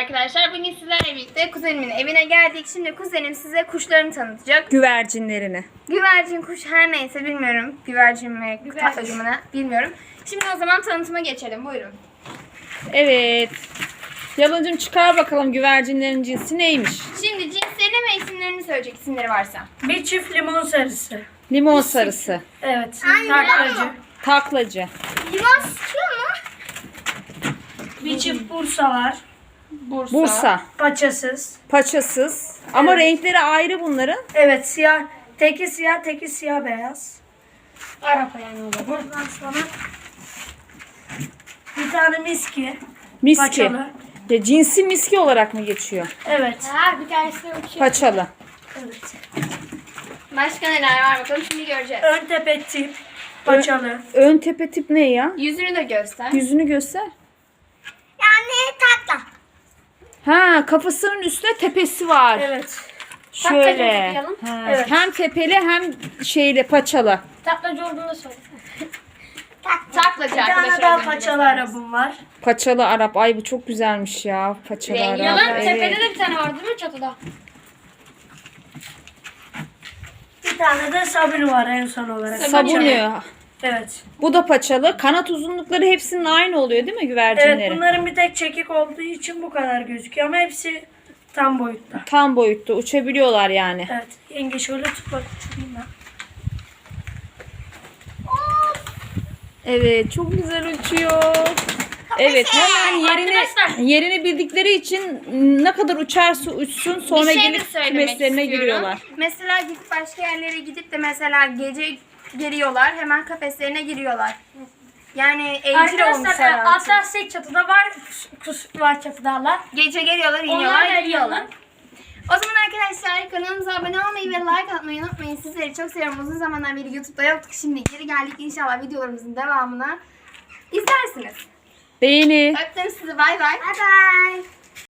arkadaşlar. Bugün sizlerle birlikte kuzenimin evine geldik. Şimdi kuzenim size kuşlarını tanıtacak. Güvercinlerini. Güvercin, kuş her neyse bilmiyorum. Güvercin mi, tatlacımına bilmiyorum. Şimdi o zaman tanıtıma geçelim. Buyurun. Evet. Yalancım çıkar bakalım güvercinlerin cinsi neymiş? Şimdi cinslerini ve isimlerini söyleyecek isimleri varsa. Bir çift limon sarısı. Limon sarısı. Evet. Taklacı. Taklacı. Limon sıkıyor mu? Bir çift Bursa var. Bursa. Paçasız. Paçasız. Ama renkleri ayrı bunların. Evet siyah. Teki siyah, teki siyah beyaz. Arap yani o da. Buradan sonra bir tane miski. Miski. Paçalı. Ya, cinsi miski olarak mı geçiyor? Evet. Ha, bir tanesi de uçuyor. Paçalı. Evet. Başka neler var bakalım şimdi göreceğiz. Ön tepe tip. Paçalı. Ön tepe tip ne ya? Yüzünü de göster. Yüzünü göster. Yani tatlı. Ha, kafasının üstüne tepesi var. Evet. Şöyle. okuyalım. Ha, Evet. Hem tepeli hem şeyle paçalı. Taklacı olduğunu söyle. Taklacı Bir tane arkadaşlar. daha paçalı arabam var. Paçalı Arap. Ay bu çok güzelmiş ya. Paçalı Rengi Arap. olan Evet. de bir tane var değil mi çatıda? Bir tane de sabun var en son olarak. Sabunu. Evet. Bu da paçalı. Kanat uzunlukları hepsinin aynı oluyor değil mi güvercinlerin? Evet bunların bir tek çekik olduğu için bu kadar gözüküyor ama hepsi tam boyutta. Tam boyutta uçabiliyorlar yani. Evet. Yenge şöyle tut bak uçurayım ben. Evet, çok güzel uçuyor. Evet, hemen yerini bildikleri için ne kadar uçarsa uçsun sonra Bir şey de gelip söylemek kümeslerine istiyorum. giriyorlar. Mesela gidip başka yerlere gidip de mesela gece geliyorlar hemen kafeslerine giriyorlar. Yani evcil olmuşlar artık. Hatta tek çatıda var, kus var çatıdalar. Gece geliyorlar, iniyorlar, gidiyorlar. O zaman arkadaşlar kanalımıza abone olmayı ve like atmayı unutmayın. Sizleri çok seviyorum. Uzun zamandan beri YouTube'da yoktuk. Şimdi geri geldik. İnşallah videolarımızın devamına izlersiniz. Beğeni. Öptüm sizi. Bay bay. Bay bay.